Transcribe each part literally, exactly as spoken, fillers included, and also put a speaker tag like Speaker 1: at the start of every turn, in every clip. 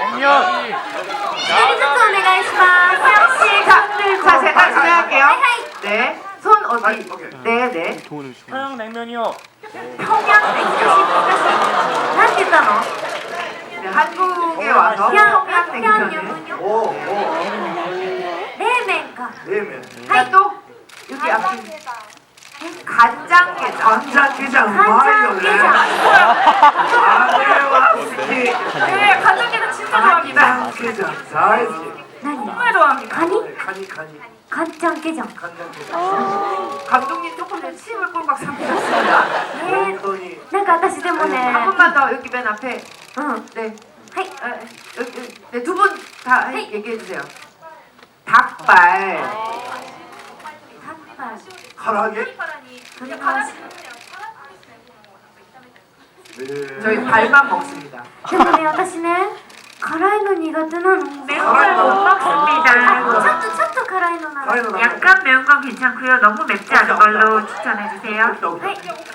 Speaker 1: 안녕.
Speaker 2: 자, 제가 진행할게요. 네, 손 어디? 네, 네.
Speaker 1: 평양냉면이요.
Speaker 2: 평양냉면. 네, 한국에 와서 평양냉면을.
Speaker 3: 오, 오. 냉면.
Speaker 2: 자, 또 여기 앞에 간장게장.
Speaker 3: 간장게장 많이요.
Speaker 4: 네, 간장게장 진짜 좋아합니다.
Speaker 3: 간장게장 다이스.
Speaker 4: 정말 좋아합니다.
Speaker 3: 카니 카니.
Speaker 5: 간장게장.
Speaker 3: 간장게장.
Speaker 2: 감독님 조금 전에 침을 꼴깍 삼키셨습니다.
Speaker 3: 本当に.
Speaker 5: なんか私でもね
Speaker 2: 한 분만 더 여기 맨 앞에.
Speaker 5: 응.
Speaker 2: 네.
Speaker 5: 하이.
Speaker 2: 어, 여기, 여기. 네, 두 분 다 얘기해 주세요. 닭발.
Speaker 5: 닭발.
Speaker 3: 唐揚げ. 네.
Speaker 2: 저희 발만 먹습니다.
Speaker 5: でもね、私ね、辛いの苦手なの。
Speaker 2: 매운걸 못 먹습니다.
Speaker 5: 아, ちょっとちょっと辛いのなの。
Speaker 3: 辛いのなの?
Speaker 2: 약간 매운 건 괜찮고요. 너무 맵지 않은 걸로 추천해 주세요.
Speaker 5: 하이.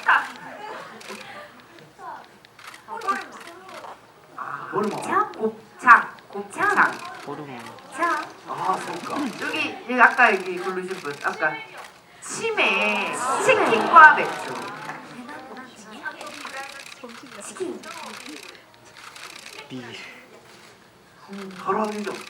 Speaker 3: 호르몬.
Speaker 5: 자,
Speaker 2: 곱창, 곱창.
Speaker 5: 자.
Speaker 3: 아, そうか.
Speaker 2: 여기, 여기 아까 여기 고르신 분, 아까 치매, 치킨과 맥주.
Speaker 5: 치킨.
Speaker 3: 唐揚げじゃん.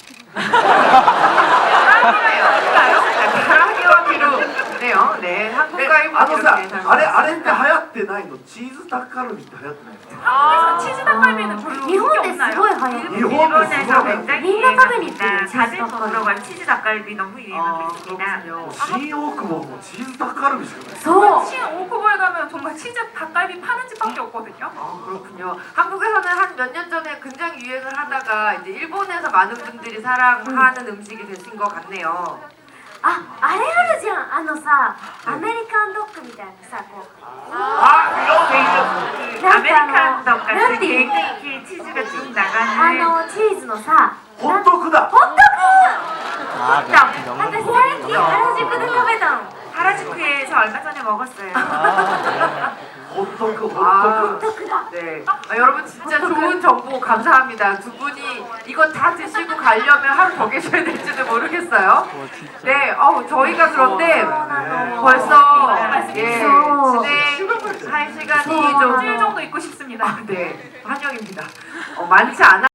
Speaker 2: 카라게와 비루네요. 네, 한국과 일본
Speaker 3: あのさ、
Speaker 2: 이렇게
Speaker 3: あれあれって流行ってないの？チーズタッカルビって流行ってないの?
Speaker 4: 한국에서 치즈 닭갈비는 별로
Speaker 5: 日本
Speaker 4: 인기
Speaker 5: です
Speaker 4: 없나요?
Speaker 5: ごい流行る。
Speaker 3: 일본에서
Speaker 2: 일본에서
Speaker 3: 굉장히
Speaker 5: みんな食べに行ってるチーズ
Speaker 2: 자주
Speaker 5: タッカルビ。
Speaker 2: 먹으러 간 치즈 닭갈비 너무
Speaker 3: 아,
Speaker 2: 유행하고 있습니다. 그렇군요.
Speaker 3: 新大久保もチーズタッカルビしかない.
Speaker 5: そう。
Speaker 4: 신 오크보에 가면 정말 치즈 닭갈비 파는 집밖에 없거든요.
Speaker 2: 아, 그렇군요. 한국에서는 한 몇 년 전에 굉장히 유행을 하다가 이제 일본에서 많은 분들이 사랑하는 음식이 되신 것 같네요.
Speaker 5: あ、あれあるじゃん。あのさ、アメリカンドッグみたいなさ、こう。
Speaker 3: 아,
Speaker 2: 그 아메리칸 떡 같은 케이크 치즈가 쭉
Speaker 5: あ
Speaker 2: 나가는
Speaker 5: のチーズのさ、
Speaker 3: ホットクだ.
Speaker 5: ホットク。
Speaker 1: 아,
Speaker 5: 私さっき原宿で食べたの。
Speaker 2: 하라주쿠에서 얼마 전에 먹었어요.
Speaker 3: 호떡, 호떡.
Speaker 2: 아,
Speaker 5: ホットクだ。
Speaker 2: 네. 아, 여러분 진짜 좋은 정보 감사합니다. 두 분이 이거 다 드시고 가려면 하루 더 계셔야 될지도 모르겠어요. 네, 어 저희가 그런데 벌써 예, 진행할 시간이
Speaker 4: 일주일
Speaker 2: 좀
Speaker 4: 정도 있고 싶습니다.
Speaker 2: 네, 환영입니다. 어, 많지 않아.